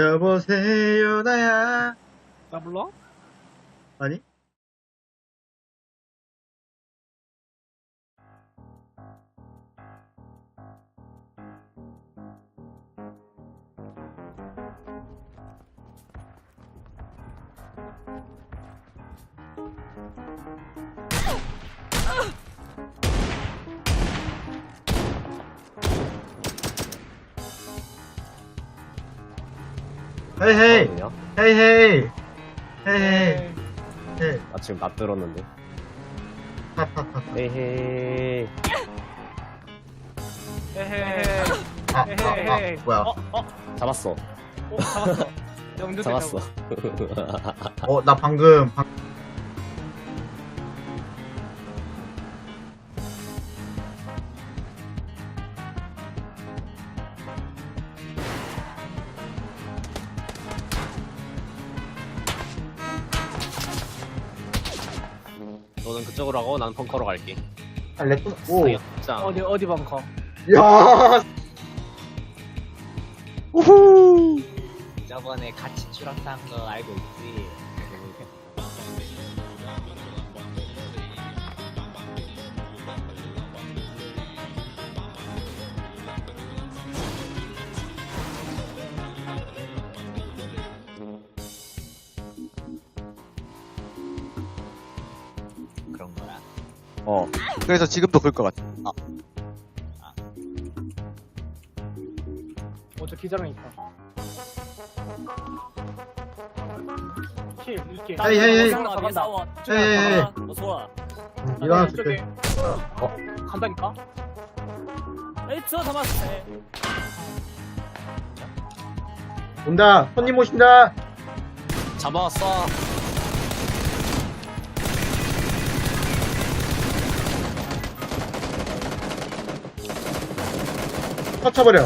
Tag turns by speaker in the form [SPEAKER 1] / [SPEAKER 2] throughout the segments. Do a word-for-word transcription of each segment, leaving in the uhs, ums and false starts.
[SPEAKER 1] 여보세요 나야.
[SPEAKER 2] 나 불러?
[SPEAKER 1] 아니? 헤이 헤이
[SPEAKER 3] 거든요?
[SPEAKER 1] 헤이 헤이 헤이 헤이
[SPEAKER 3] 나 지금 나 들었는데. 에헤이.
[SPEAKER 2] 헤헤헤.
[SPEAKER 1] 아, 아,
[SPEAKER 2] 헤헤헤.
[SPEAKER 1] 아, 뭐야?
[SPEAKER 2] 어, 어,
[SPEAKER 3] 잡았어.
[SPEAKER 2] 어, 잡았어. 영준
[SPEAKER 3] 잡았어.
[SPEAKER 1] 어, 나 방금 방...
[SPEAKER 3] 너는 그쪽으로 하고 나는 벙커로 갈게.
[SPEAKER 1] 아, 렉도 오.
[SPEAKER 3] 짱.
[SPEAKER 2] 어디 어디 벙커?
[SPEAKER 1] 야. 우후.
[SPEAKER 4] 저번에 같이 추락한 거 알고 있지? 그런 거라.
[SPEAKER 5] 어. 그래서 지금도 그럴 것 같아. 아,
[SPEAKER 2] 어저 기자랑 있다. 킬 이게.
[SPEAKER 1] 헤이, 헤이, 헤이.
[SPEAKER 2] 간다 간다.
[SPEAKER 1] 헤이, 헤이, 헤이.
[SPEAKER 4] 어서 와.
[SPEAKER 1] 이거 하나
[SPEAKER 2] 이쪽에.
[SPEAKER 1] 줄게.
[SPEAKER 2] 어 간다니까?
[SPEAKER 4] 에이, 저 담았어.
[SPEAKER 1] 온다. 손님 오신다.
[SPEAKER 3] 잡아왔어.
[SPEAKER 1] 터쳐버려.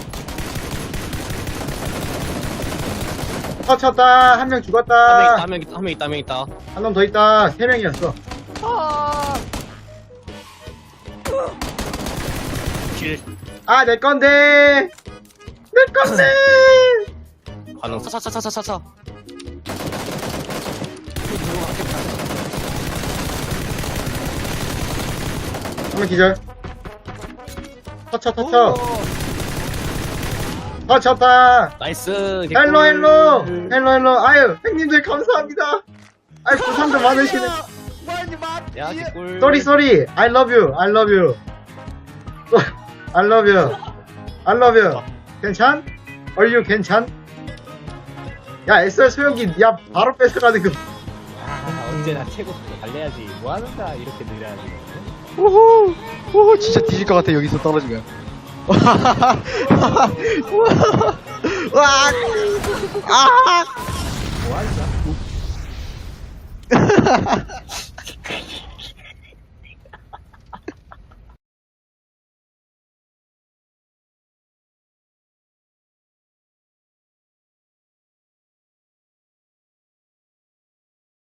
[SPEAKER 1] 터쳤다. 한 명 죽었다.
[SPEAKER 3] 한 명 있다, 한 명 있다, 한 명 있다, 한 명 있다.
[SPEAKER 1] 한 놈 더 있다. 세 명이었어.
[SPEAKER 3] 킬.
[SPEAKER 1] 아, 내 건데. 내 건데.
[SPEAKER 3] 반응. 차차차차차차.
[SPEAKER 1] 한 명 기절. 터쳐, 터쳐. 터쳤다.
[SPEAKER 3] 나이스.
[SPEAKER 1] 헬로, 헬로. 헬로, 헬로. 아유, 형님들 감사합니다. 아유, 부상도 많으시네.
[SPEAKER 3] 야, 개꿀.
[SPEAKER 1] 쏘리, 쏘리. I love you. I love you. I love you. I love you. 괜찮? Are you 괜찮? 야, 에스알 소형기, 야, 바로 뺏어가는 그.
[SPEAKER 4] 아, 언제나 최고 속도 달려야지. 뭐 하는 거야? 이렇게 느려야지.
[SPEAKER 5] 우후. 우후, 진짜 뒤질 것 같아, 여기서 떨어지면. 와. 아.